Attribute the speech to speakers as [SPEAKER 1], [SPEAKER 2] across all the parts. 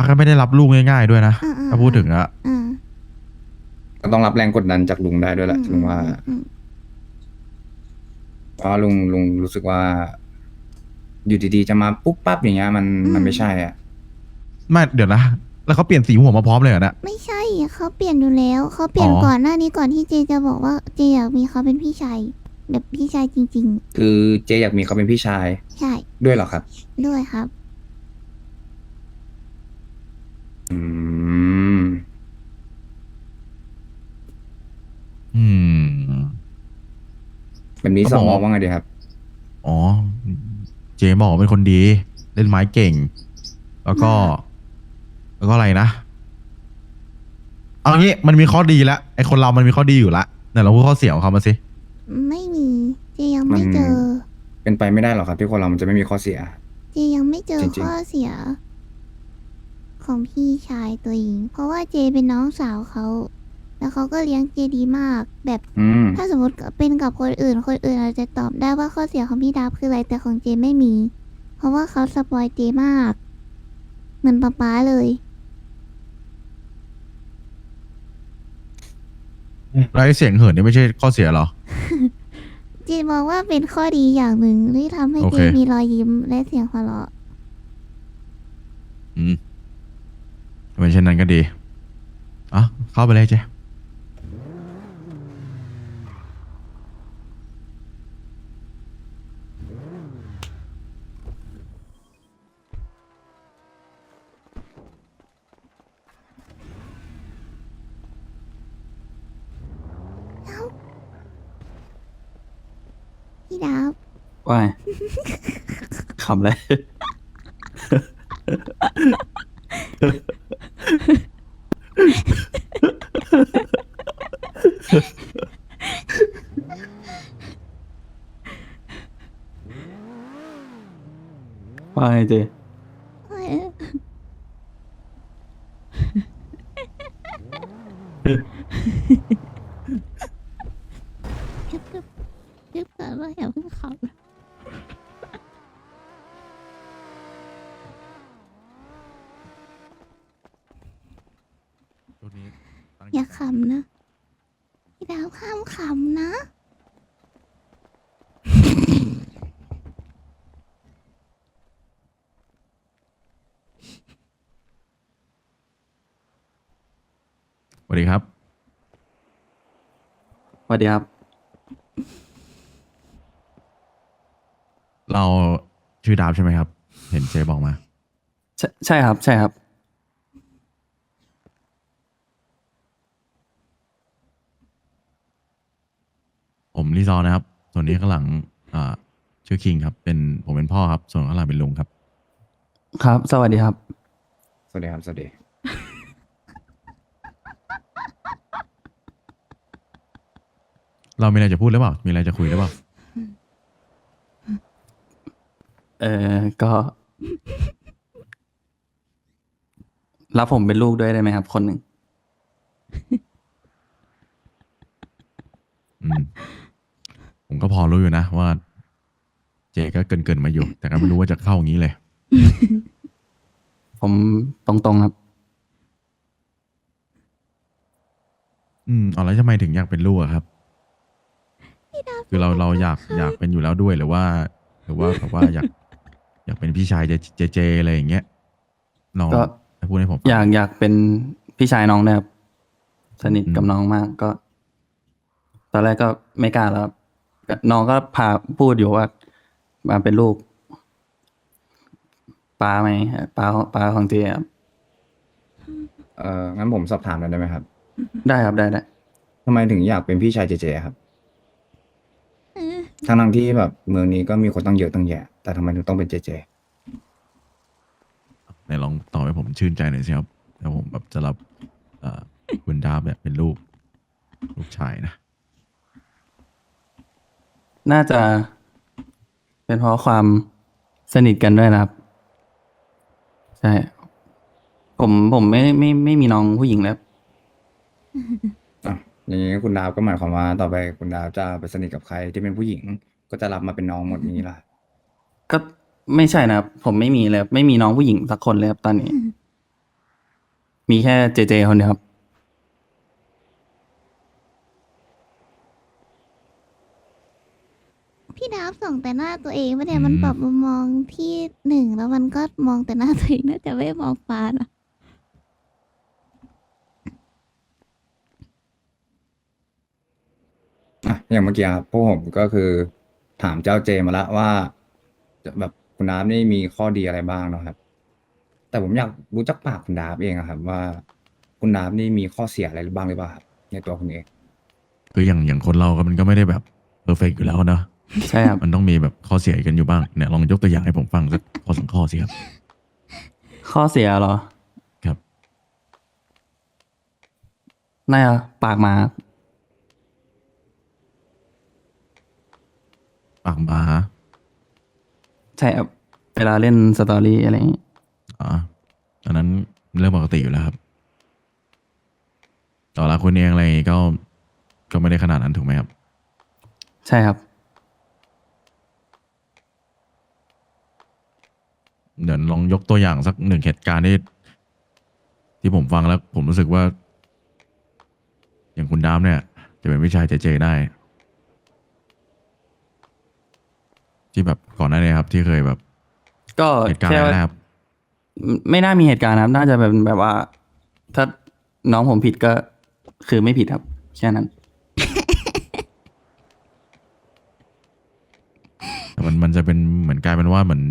[SPEAKER 1] าก็ไม่ได้รับลูกง่ายๆด้วยนะ
[SPEAKER 2] อ่าอ่า
[SPEAKER 1] ถ้าพูดถึงอะ
[SPEAKER 2] อ่า
[SPEAKER 3] ก็ต้องรับแรงกดดันจากลุงได้ด้วยแหละลุงว่าเพราะลุงรู้สึกว่าอยู่ดีๆจะมาปุ๊บปั๊บอย่างเงี้ยมันไม่ใช่อ่ะ
[SPEAKER 1] ไม่เดี๋ยวนะแล้วเขาเปลี่ยนสีหัวมาพร้อมเลยเหรอเนี่ย
[SPEAKER 2] ไม่ใช่เขาเปลี่ยนอยู่แล้วเขาเปลี่
[SPEAKER 1] อ๋อ
[SPEAKER 2] ยนก่อนหน้านี้ก่อนที่เจจะบอกว่าเจอยากมีเขาเป็นพี่ชายแบบพี่ชายจริง
[SPEAKER 3] คือเจอยากมีเขาเป็นพี่ชาย
[SPEAKER 2] ๆใช่
[SPEAKER 3] ด้วยเหรอครับ
[SPEAKER 2] ด้วยครับ
[SPEAKER 3] อืม
[SPEAKER 1] อืม
[SPEAKER 3] แบบนี้
[SPEAKER 1] เขาบอกว่า
[SPEAKER 3] สองมองว่าไงดีครับ
[SPEAKER 1] อ๋อเจบอกว่าเป็นคนดีเล่นไม้เก่งแล้วก็
[SPEAKER 2] มาก
[SPEAKER 1] แล้วก็อะไรนะเอางี้มันมีข้อดีแล้วไอ้คนเรามันมีข้อดีอยู่ละเนี่ยเราพูดข้อเสียของเขามาสิ
[SPEAKER 2] ไม่มีเจยัง
[SPEAKER 3] มัน
[SPEAKER 2] ไม่เจอ
[SPEAKER 3] เป็นไปไม่ได้หรอกครับที่คนเรามันจะไม่มีข้อเสีย
[SPEAKER 2] เจยังไม่เจอ
[SPEAKER 3] จริง
[SPEAKER 2] ข้อเสียของพี่ชายตัวเองเพราะว่าเจเป็นน้องสาวเขาแล้วเขาก็เลี้ยงเจดีมากแบบ
[SPEAKER 3] ๆ
[SPEAKER 2] ถ้าสมมติเป็นกับคนอื่นคนอื่นอาจจะตอบได้ว่าข้อเสียของพี่ดับคืออะไรแต่ของเจไม่มี เพราะว่าเขาสปอยเจมากเหมือนป๊าเลย
[SPEAKER 1] แล้วไอ้เสียงเหินนี่ไม่ใช่ข้อเสียเหรอ
[SPEAKER 2] เจนมองว่าเป็นข้อดีอย่างหนึ่งที่ทำให้
[SPEAKER 1] โอ
[SPEAKER 2] เจ
[SPEAKER 1] เค
[SPEAKER 2] มีรอยยิ้มและเสียงหัวเราะ
[SPEAKER 1] อืมถ้าเป็นเช่นนั้นก็ดีอ่ะเข้าไปเลยเจ
[SPEAKER 2] พี่ดับ
[SPEAKER 4] ว่าไงขำเลย ว่าไงเจ
[SPEAKER 2] เอ้ยยึบยึบยึบก่อนว่าอย่าเพิ่งขับ
[SPEAKER 1] ช่วงนี้ตั้งใจ
[SPEAKER 2] อย่า
[SPEAKER 1] ทำงาน
[SPEAKER 2] ขำนะพี่ดาวห้ามขำนะ
[SPEAKER 1] สวัสดีครับ
[SPEAKER 4] สวัสดีครับ
[SPEAKER 1] เราชื่อดาบใช่ไหมครับ เห็นเจบอกมา
[SPEAKER 4] ใช่ครับ ใช่ครับ
[SPEAKER 1] ผมลิซอนะครับ ส่วนนี้ข้างหลังอ่าชื่อคิงครับ ผมเป็นพ่อครับ ส่วนข้างหลังเป็นลุงครับ
[SPEAKER 4] ครับ สวัสดีครับ
[SPEAKER 3] สวัสดีครับสวัสดี
[SPEAKER 1] เรามีอะไรจะพูดหรือเปล่า มีอะไรจะคุยหรือเปล่า
[SPEAKER 4] ก็ รับผมเป็นลูกด้วยได้ไหมครับ คนหนึ่ง
[SPEAKER 1] อืม ผมก็พอรู้อยู่นะว่า เจก็เกินมาอยู่ แต่ก็ไม่รู้ว่าจะเข้าอย่างนี้เลย
[SPEAKER 4] ผมตรงๆครับ
[SPEAKER 1] เอาแล้วทำไมถึงอยากเป็นลูกอะครับ คือเราอยากเป็นอยู่แล้วด้วยหรือว่าแบบว่าอยากเป็นพี่ชายเจอะไรอย่างเงี้ยลอง
[SPEAKER 4] ก็
[SPEAKER 1] พูดให้ผมฟัง
[SPEAKER 4] อยากเป็นพี่ชายน้องนะครับ สนิทกับน้องมากก็ ตอนแรกก็ไม่กล้าแล้วครับน้องก็พาพูดอยู่ว่ามาเป็นลูกป้าไหมป้าของเจครับ
[SPEAKER 3] งั้นผมสอบถามหน่อยได้ไหมครับ
[SPEAKER 4] ได้ครับได้
[SPEAKER 3] ทำไมถึงอยากเป็นพี่ชายเจเจครับ
[SPEAKER 2] เออ
[SPEAKER 3] ทั้งที่แบบเมืองนี้ก็มีคนตั้งเยอะตั้งแยะแต่ทำไมถึงต้องเป็นเจเจ
[SPEAKER 1] ไหนลองตอบให้ผมชื่นใจหน่อยสิครับแล้วผมแบบจะรับเอ่อคุณดาบแบบเป็นลูกชายนะ
[SPEAKER 4] น่าจะเป็นเพราะความสนิทกันด้วยนะครับ ใช่ ผมไม่มีน้องผู้หญิงแล้ว
[SPEAKER 3] อ่ะอย่างนี้คุณดาวก็หมายความว่าต่อไปคุณดาวจะไปสนิทกับใครที่เป็นผู้หญิงก็จะรับมาเป็นน้องหมดนี้ล่ะ
[SPEAKER 4] ก็ไม่ใช่นะครับ ผมไม่มีเลยครับไม่มีน้องผู้หญิงสักคนเลยครับตอนนี้มีแค่เจเจคนเดียวครับ
[SPEAKER 2] พี่ดาบส่องแต่หน้าตัวเองไม่ได้มันปรับมุมมองที่หนึ่งแล้วมันก็มองแต่หน้าตัวเองน่าจะไม่มองฟ้านะ
[SPEAKER 3] อ่ะอย่างเมื่อกี้ครับพวกผมก็คือถามเจ้าเจมาแล้วว่าแบบคุณดาบนี่มีข้อดีอะไรบ้างเนาะครับ แต่ผมอยากรู้จักปากคุณดาบเองอะครับ ว่าคุณดาบนี่มีข้อเสียอะไรบ้างหรือเปล่าครับในตัวคุณเอง
[SPEAKER 1] คืออย่างคนเราก็มันก็ไม่ได้แบบเพอร์เฟกอยู่แล้วเนอะ
[SPEAKER 4] ใช่ครับ
[SPEAKER 1] มันต้องมีแบบข้อเสียกันอยู่บ้างเนี่ยลองยกตัวอย่างให้ผมฟังสักข้อสองข้อสิครับ
[SPEAKER 4] ข้อเสียเหรอ
[SPEAKER 1] ครับ
[SPEAKER 4] น่าจะปากหมาครับ
[SPEAKER 1] ปากหมา
[SPEAKER 4] ใช่ครับ เวลาเล่นสตอรี่อะไรอย่างงี้
[SPEAKER 1] อ๋ออันนั้นเรื่องปกติอยู่แล้วครับต่อละคุณเองอะไรอย่างงี้ก็ไม่ได้ขนาดนั้นถูกไหมครับ
[SPEAKER 4] ใช่ครับ
[SPEAKER 1] เดี๋ยวลองยกตัวอย่างสักหนึ่งเหตุการณ์ที่ผมฟังแล้ว ผมรู้สึกว่า อย่างคุณดามเนี่ย จะเป็นวิชายเจได้ ที่แบบก่อนหน้านี้ครับ ที่เคยแบบ
[SPEAKER 4] ก็
[SPEAKER 1] เหตุการณ์
[SPEAKER 4] แค่
[SPEAKER 1] อะไร
[SPEAKER 4] ว่า
[SPEAKER 1] นะครับ
[SPEAKER 4] ไม่น่ามีเหตุการณ์ครับ น่าจะเป็นแบบว่า ถ้าน้องผมผิดก็คือไม่ผิดครับ แค่นั้น
[SPEAKER 1] แต่มันจะเป็นเหมือนกลายเป็นว่าเหมือน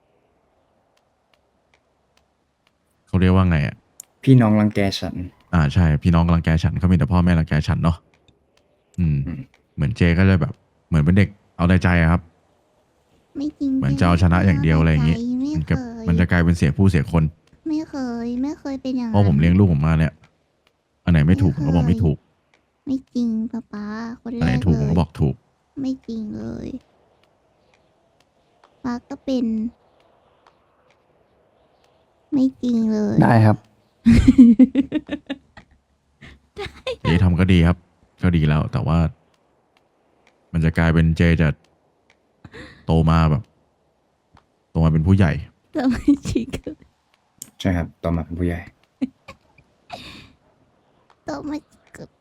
[SPEAKER 1] เขาเรียกว่าไงอ่ะ
[SPEAKER 3] พี่น้องรังแกฉัน
[SPEAKER 1] ใช่พี่น้องรังแกฉันเขามีแต่พ่อแม่รังแกฉันเนาะเหมือนเจก็เลยแบบ เหมือนเป็นเด็กเอาแต่ใจอะครับ
[SPEAKER 2] ไม่จริง
[SPEAKER 1] เหมือนจะเอาชนะอย่างเดียวอะไรอย่างงี้
[SPEAKER 2] ไม่
[SPEAKER 1] มัน
[SPEAKER 2] เค
[SPEAKER 1] จะ
[SPEAKER 2] ย
[SPEAKER 1] มันจะกลายเป็นเสียผู้เสียคน
[SPEAKER 2] ไม่เคย ไม่เคยเป็นอย่าง
[SPEAKER 1] เพราะผมเลี้ยงลูกผมมาเนี่ย อันไหนไม่ถูกผมก็บอกไม่ถูก
[SPEAKER 2] ไม่จริงป๊าคน
[SPEAKER 1] อัน
[SPEAKER 2] แร
[SPEAKER 1] ไหน
[SPEAKER 2] ก
[SPEAKER 1] ถูก
[SPEAKER 2] เล
[SPEAKER 1] ผม
[SPEAKER 2] ย
[SPEAKER 1] ก็บอกถูก
[SPEAKER 2] ไม่จริงเลยป๊าก็เป็น ไม่จริงเลย
[SPEAKER 4] ได้ครับ
[SPEAKER 1] เจทำก็ดีครับ ก็ดีแล้ว แต่ว่า มันจะกลายเป็นเจจะโตมาแบบโตมาเป็นผู้ใหญ่
[SPEAKER 2] แต่ไม่จริงเลย
[SPEAKER 3] ใช่ครับต่อมาเป็นผู้ใหญ่
[SPEAKER 2] แต่ไม่เกิด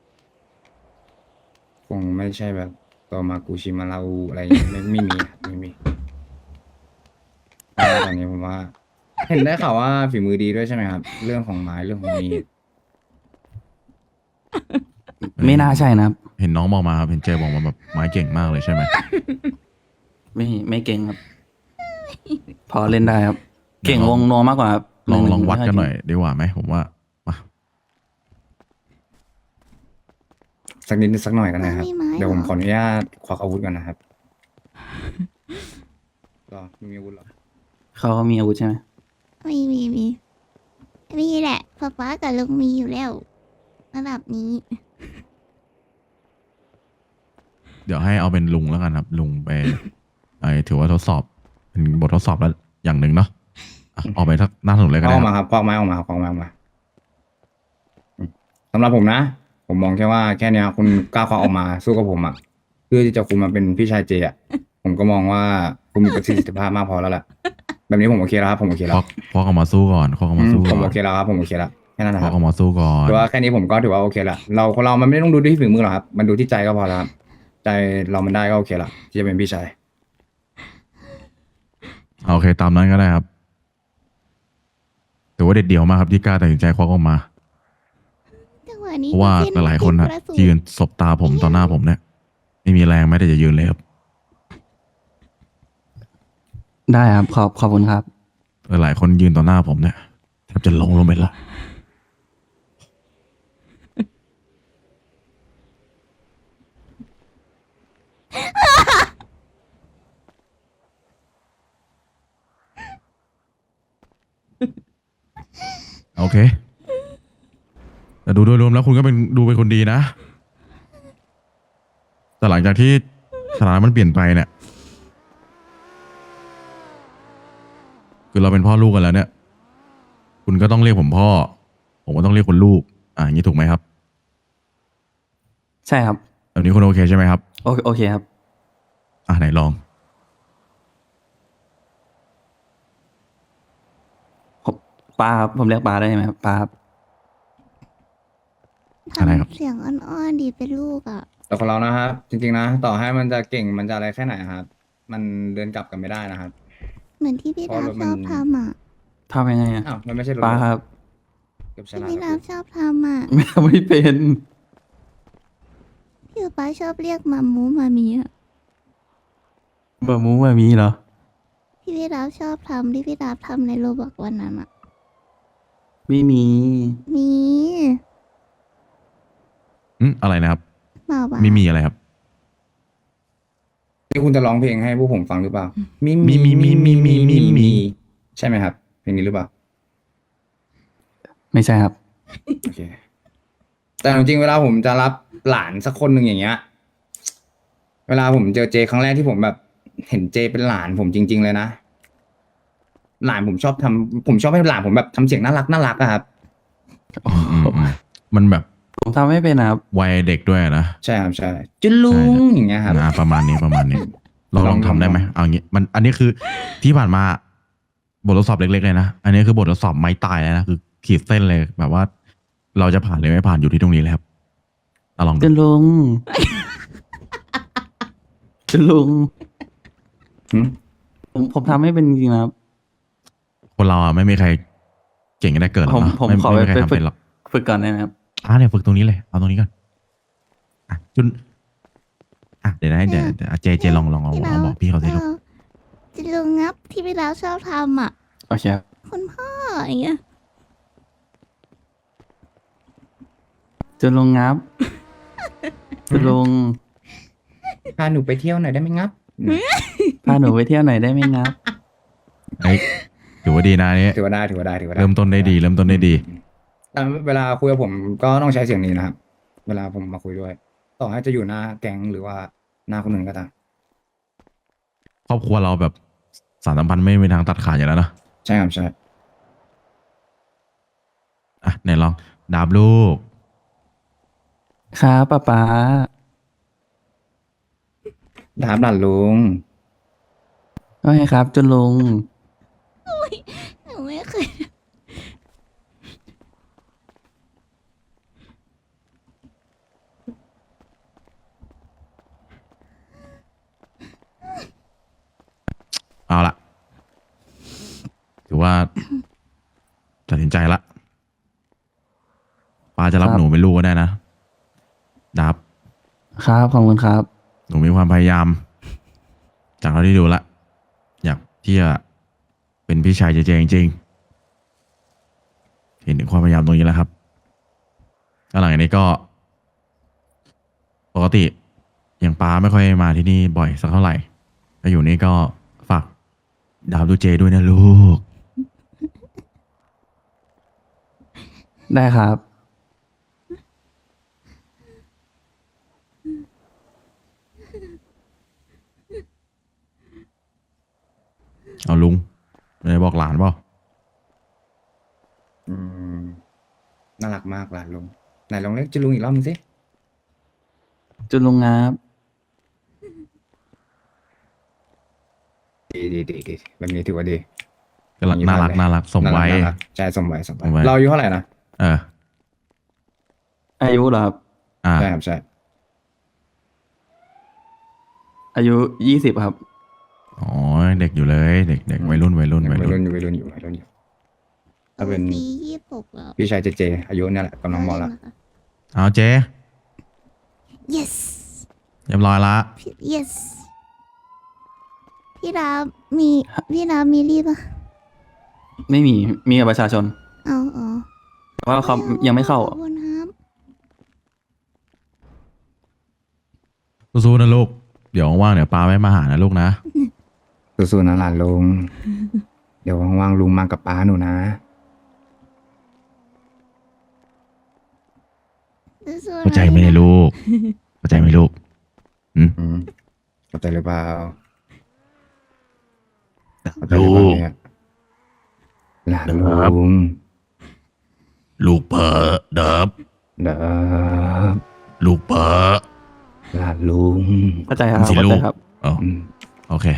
[SPEAKER 3] คงไม่ใช่แบบต่อมากูชิมาลาอูอะไรอย่างเงี้ยไม่มีครับไม่มีเพราะว่าตอนนี้ผมว่า เห็นได้ข่าวว่าฝีมือดีด้วยใช่ไหมครับ เรื่องของไม้เรื่องของมีด
[SPEAKER 4] ไม่น่าใช่นะครับ
[SPEAKER 1] เห็นน้องบอกมาครับเห็นเจบอกมาแบบไม้เก่งมากเลยใช่ไหม
[SPEAKER 4] ไม่เก่งครับ พอเล่นได้ครับ เก่งวงนัวมากกว่าครับ
[SPEAKER 1] ลองวัดกันหน่อย
[SPEAKER 4] ไม่ค่
[SPEAKER 1] ดีกว่าไหมผมว่ามา
[SPEAKER 3] สักนิดสักหน่อยกันนะครับ
[SPEAKER 2] ไม่ไม้
[SPEAKER 3] เดี๋ยวผม
[SPEAKER 2] หร
[SPEAKER 3] ขออนุญาตควักอาวุธก่อนนะครับรอมีอาวุธเหรอ
[SPEAKER 4] เขามีอาวุธใช่ไหม
[SPEAKER 2] มีแหละป๊ากับลุงมีอยู่แล้วระดับนี้
[SPEAKER 1] เดี๋ยวให้เอาเป็นลุงแล้วกันครับ ลุงไป ถือว่าทดสอบเป็นบททดสอบแล้วอย่างหนึ่งเนาะอ่ะออกไปทักหน้าถนนเลยก็
[SPEAKER 3] เอา
[SPEAKER 1] ได้
[SPEAKER 3] ออก
[SPEAKER 1] ค
[SPEAKER 3] มา
[SPEAKER 1] รับ
[SPEAKER 3] ครับควักไม้ออกมาครับควักไม้ออกมาสำหรับผมนะ ผมมองแค่ว่าแค่เนี้ยคุณกล้าควักออกมาสู้กับผมอ่ะเพื่อที่จะคุณมาเป็นพี่ชายเจอ่ะผมก็มองว่าคุณมีประสิทธิภาพมากพอแล้วแหละแบบนี้ผมโอเคแล้วครับผมโอเค
[SPEAKER 1] ค
[SPEAKER 3] แล้ว
[SPEAKER 1] วักออกมาสู้ก่อนควักออกมาสู้
[SPEAKER 3] ผ
[SPEAKER 1] ก่
[SPEAKER 3] ม
[SPEAKER 1] อน
[SPEAKER 3] โอเคแล้วครับผมโอเคแล้วแค่นั้นนะ
[SPEAKER 1] ค
[SPEAKER 3] ค
[SPEAKER 1] วั
[SPEAKER 3] รั
[SPEAKER 1] ก
[SPEAKER 3] บ
[SPEAKER 1] ออกมาสู้ก่อน
[SPEAKER 3] ถือว่าแค่นี้ผมก็ถือว่าโอเคละเราคนเรามันไม่ต้องดูที่ฝีมือหรอกครับ มันดูที่ใจก็พอแล้วครับใจเรามันได้ก็โอเคละที่จะเป็นพี่ชาย
[SPEAKER 1] โอเคตามนั้นก็ได้ครับถือว่าเด็ดเดี่ยวมากครับที่กล้าตัดสินใจควักออกมา
[SPEAKER 2] จังหวะนี้
[SPEAKER 1] เพราะว่า
[SPEAKER 2] ก็
[SPEAKER 1] หลายๆคนอะ
[SPEAKER 2] กระสุ
[SPEAKER 1] ยืนสบตาผมต่อหน้าผมเนี่ยไม่มีแรงแม้แต่จะยืนเลยครับ
[SPEAKER 4] ได้ครับ ขอบคุณครับ
[SPEAKER 1] หลายๆคนยืนต่อหน้าผมเนี่ยแทบจะลงไปละโอเค แต่ดูโดยรวมแล้วคุณก็ดูเป็นคนดีนะ แต่หลังจากที่สถานะมันเปลี่ยนไปเนี่ย คือเราเป็นพ่อลูกกันแล้วเนี่ย คุณก็ต้องเรียกผมพ่อ ผมก็ต้องเรียกคุณลูก อย่างนี้ถูกไหมครับ
[SPEAKER 4] ใช่ครับ
[SPEAKER 1] แบบนี้คุณโอเคใช่ไหมครับ
[SPEAKER 4] โอเคครับ
[SPEAKER 1] ไหนลอง
[SPEAKER 4] ปาครับ ผมเรียกปาได้ไหมครับปาครับ
[SPEAKER 1] อะไรครับ
[SPEAKER 2] ทำเสียงอ่อนๆดีเป็นลูกอ่ะ
[SPEAKER 3] แต่คนเรานะครับ จริงๆนะ ต่อให้มันจะเก่งมันจะอะไรแค่ไหนครับ มันเดินกลับกันไม่ได้นะครับ
[SPEAKER 2] เหมือนที่พี่
[SPEAKER 3] เพราะ
[SPEAKER 2] ดาบ
[SPEAKER 3] รถ
[SPEAKER 2] ช
[SPEAKER 3] มัน
[SPEAKER 2] อบทำอ่ะ
[SPEAKER 4] ทำยังไงอ่ะ
[SPEAKER 3] อ้าวมันไม่ใช่รถ
[SPEAKER 4] ป้าครับ
[SPEAKER 3] เกือบช
[SPEAKER 2] ที่
[SPEAKER 3] นะ
[SPEAKER 2] พี่
[SPEAKER 3] แล้
[SPEAKER 2] ดาว บชอบทำอ่ะ
[SPEAKER 4] ไม่เป็น
[SPEAKER 2] พี่ป๊าชอบเรียกมามูมามีอ่ะ
[SPEAKER 4] บะมูมามีเหรอ
[SPEAKER 2] ที่พี่ดาบชอบทำที่พี่ดาบทำในโรบอกวันนั้นอ่ะ
[SPEAKER 4] ไม่มี
[SPEAKER 2] มี
[SPEAKER 1] อะไรนะครับ
[SPEAKER 2] มาบ้า
[SPEAKER 1] มีอะไรครับ
[SPEAKER 3] นี่คุณจะร้องเพลงให้พวกผมฟังหรือเปล่า มี
[SPEAKER 1] มี
[SPEAKER 3] ใช่ไหมครับ เพลงนี้หรือเปล่า
[SPEAKER 4] ไม่ใช่ครับ
[SPEAKER 3] โอเค แต่จริงๆเวลาผมจะรับหลานสักคนหนึ่งอย่างเงี้ย เวลาผมเจอเจครั้งแรกที่ผมแบบ เห็นเจเป็นหลานผมจริง ๆ เลยนะ หลานผมชอบให้หลานผมแบบทำเสียงน่ารักอะครับ
[SPEAKER 1] มันแบบ
[SPEAKER 4] ผมทำไม่เป็นนะครับ
[SPEAKER 1] วัยเด็กด้วยนะ
[SPEAKER 3] ใช่ครับใช่จุลุงอย่างเงี้ยครับ
[SPEAKER 1] ประมาณนี้ลอง
[SPEAKER 3] ลอง
[SPEAKER 1] ทำได้ไหม
[SPEAKER 3] ลอง
[SPEAKER 1] เอางี้อันนี้คือที่ผ่านมาบททดสอบเล็กๆเลยนะ อันนี้คือบททดสอบไม้ตายแล้วนะคือขีดเส้นเลยแบบว่า เราจะผ่านหรือไม่ผ่านอยู่ที่ตรงนี้เลยครับลองดู
[SPEAKER 4] จะลุง จะลุง
[SPEAKER 3] หึ
[SPEAKER 4] ผมทำไม่เป็นจริงๆนะครับ
[SPEAKER 1] คนเราไม่มีใครเก่งได้เกิดหรอกเนาะ
[SPEAKER 4] ผม
[SPEAKER 1] ไม่
[SPEAKER 4] ขอ
[SPEAKER 1] ไม่มีใคร
[SPEAKER 4] ไป
[SPEAKER 1] ทำเป็นหรอก
[SPEAKER 4] ฝึกก่อนได้ไหมครับ
[SPEAKER 1] เนี่ยฝึกตรงนี้เลยเอาตรงนี้ก่อนจุนเดี๋ยวนะเดี๋ยวเจลอง
[SPEAKER 2] พี่ดา
[SPEAKER 1] บอกพี่เขาสิลูก
[SPEAKER 2] จะลุงงับที่พี่ดาบชอบทำอ่ะ
[SPEAKER 4] โอเคครับ
[SPEAKER 2] คุณพ่ออย่างเงี้ย
[SPEAKER 4] จะลุงงับ จะลุง
[SPEAKER 3] พาหนูไปเที่ยวหน่อยได้ไหมงับ
[SPEAKER 4] พาหนูไปเที่ยวไหนอยได้ไหมงับ
[SPEAKER 1] เฮ้ยถือว่าดีนะนี่
[SPEAKER 3] ถือว่าได้
[SPEAKER 1] เริ่มต้นได้ดี
[SPEAKER 3] แต่เวลาคุยกับผมก็ต้องใช้เสียงนี้นะครับ เวลาผมมาคุยด้วย ต่อให้จะอยู่หน้าแก๊งหรือว่าหน้าคนอื่นก็ตาม
[SPEAKER 1] ครอบครัวเราแบบสารสัมพันธ์ไม่มีทางตัดขาดอยู่แล้วเนอะ
[SPEAKER 3] ใช่ครับใช่
[SPEAKER 1] ไหนลองดาบลูก
[SPEAKER 4] ครับป๊า
[SPEAKER 3] ดาบหลานลุง
[SPEAKER 4] ว่าไงครับจะลุง
[SPEAKER 2] หนูไม่เคย
[SPEAKER 1] เอาละถือว่าตัดสินใจละป้าจะรับ
[SPEAKER 4] ครับ
[SPEAKER 1] หนูเป็นลูกก็ได้นะดาบ
[SPEAKER 4] ครับขอบคุณครับ
[SPEAKER 1] หนูมีความพยายาม จากเราที่ดูละอยากที่จะเป็นพี่ชายเจจริงๆเห็นถึงความพยายามตรงนี้แล้วครับแล้วหลังจากนี้ก็ ปกติอย่างป้าไม่ค่อยมาที่นี่บ่อยสักเท่าไหร่ถ้าอยู่นี่ก็ฝากดาวดูเจด้วยนะลูก
[SPEAKER 4] ได้ครับ
[SPEAKER 1] เอาลุงไม่ได้บอกหลานเปล่า
[SPEAKER 3] อืมน่ารักมากหลานลุงไหนลองเรียกจุลุงอีกรอบนึงสิ
[SPEAKER 4] จะลุงงับ
[SPEAKER 3] ดีแบบนี้ถือว่าดี
[SPEAKER 1] ก็น่ารักสมวัย
[SPEAKER 3] น่ารักใช่สมวัย
[SPEAKER 1] สมวัย
[SPEAKER 3] เราอายุเท่าไหร่นะ
[SPEAKER 1] เออ
[SPEAKER 4] อายุเหรอครับ
[SPEAKER 3] ใช่ครับใช่
[SPEAKER 4] อายุ20ครับ
[SPEAKER 1] อ๋อเด็กอยู่เลยเด็กวัยรุ่น
[SPEAKER 3] วัยรุ่นอยู่ถ้าเป็น
[SPEAKER 2] ปี26แล้ว
[SPEAKER 3] พี่ชายเจอายุเนี่ยแหละกำลังมอละ
[SPEAKER 1] เอาเจ
[SPEAKER 2] yes
[SPEAKER 1] เรียบร้อยละ
[SPEAKER 2] yes พี่ดาบมีพี่ดาบมีรีบอ่ะ
[SPEAKER 4] ไม่มี มีกับประชาชน
[SPEAKER 2] เอาอ๋อ
[SPEAKER 4] แต่ว่าเขายังไม่เข้า
[SPEAKER 2] ขอบคุณครับ
[SPEAKER 1] สู้ๆนะลูกเดี๋ยวว่างๆเดี๋ยวป้าไม่มาหานะลูกนะ
[SPEAKER 3] สู้ๆนะหลานลุง เดี๋ยวว่างๆลุงมากับป้าหนูนะ
[SPEAKER 2] สู้ๆนะ
[SPEAKER 1] เข้าใจไหมเนี่ยลูกเข้าใจไหมลูก
[SPEAKER 3] อืมเข้าใจหรือเปล่าเข้าใจหรือเปล่าเนี่ยหลานลุง
[SPEAKER 1] ลูกเพ้อเดิบ
[SPEAKER 3] เด้อ
[SPEAKER 1] ลูกเพ้อ
[SPEAKER 3] หลานลุง
[SPEAKER 4] เข้าใจครับ
[SPEAKER 1] สิ
[SPEAKER 4] เข้า
[SPEAKER 1] ลู
[SPEAKER 4] ใจ
[SPEAKER 1] ก
[SPEAKER 4] ครับ
[SPEAKER 1] อ๋อ
[SPEAKER 3] อืม
[SPEAKER 1] โอเค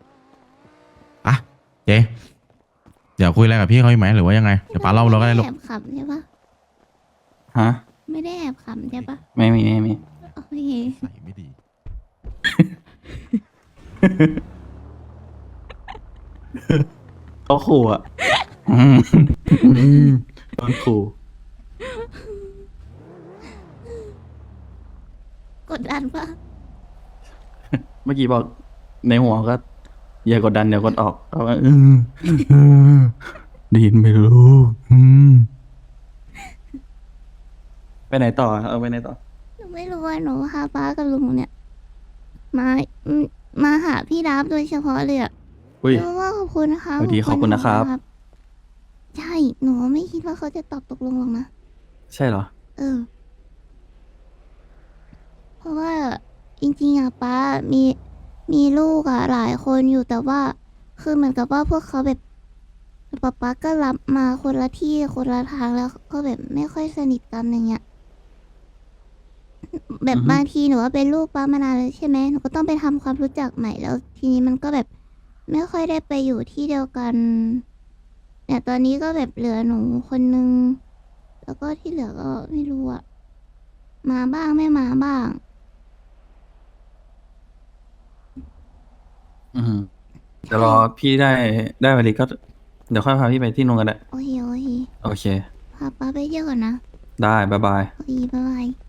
[SPEAKER 1] เจเดี๋ยวคุยอะไรกับพี่เขาอีกไหมหรือว่ายังไงเดี๋ยวป้าเล่าเราก็ได้ลูก
[SPEAKER 2] แอบขับใช่ปะ
[SPEAKER 4] ฮะ
[SPEAKER 2] ไม่ได้แอบขำใช่ปะ
[SPEAKER 4] ไม่มีไม่มี
[SPEAKER 2] โอเค
[SPEAKER 1] ใส่ไม่ดี
[SPEAKER 4] เขาขู่อ่ะโดนขู่
[SPEAKER 2] กดดันปะ
[SPEAKER 4] เมื่อกี้บอกในหัวก็อย่ากดดันเดี๋ยวกดออกเขาว่าได้ยินไหมลูกไปไหนต่อเอาไปไหนต่อ
[SPEAKER 2] หนูไม่รู้ว่าหนูพาป้ากับลุงเนี่ย มามาหาพี่ดับโดยเฉพาะเลยอะ
[SPEAKER 4] อุ้ย
[SPEAKER 2] เพราะว่าขอบคุณนะคะ
[SPEAKER 4] สวัสดีขอบคุณนะครับ
[SPEAKER 2] ใช่หนูไม่คิดว่าเขาจะตอบตกลงหรอกนะ
[SPEAKER 4] ใช่เหรอ
[SPEAKER 2] เออ เพราะว่าจริงๆอะป้ามีลูกอะหลายคนอยู่แต่ว่า คือเหมือนกับว่าพวกเขาแบบป๊าก็รับมาคนละที่คนละทางแล้วก็แบบไม่ค่อยสนิทกันอย่างเงี้ย แบบ
[SPEAKER 4] อือฮึ
[SPEAKER 2] บางทีหนูว่าเป็นลูกป้ามานานแล้วใช่ไหมหนูก็ต้องไปทำความรู้จักใหม่แล้ว ทีนี้มันก็แบบไม่ค่อยได้ไปอยู่ที่เดียวกันเนี่ยตอนนี้ก็แบบเหลือหนูคนนึง แล้วก็ที่เหลือก็ไม่รู้อะมาบ้างไม่มาบ้าง
[SPEAKER 4] อืมเดี๋ยวรอพี่ได้วันนี้ก็ เดี๋ยวค่อยพาพี่ไปที่นู่นกันได้
[SPEAKER 2] โอเคโอเค
[SPEAKER 4] โอเค
[SPEAKER 2] พาป้าไปเที่ยวก่อนนะ
[SPEAKER 4] ได้บ๊ายบาย
[SPEAKER 2] โอเคบ๊ายบาย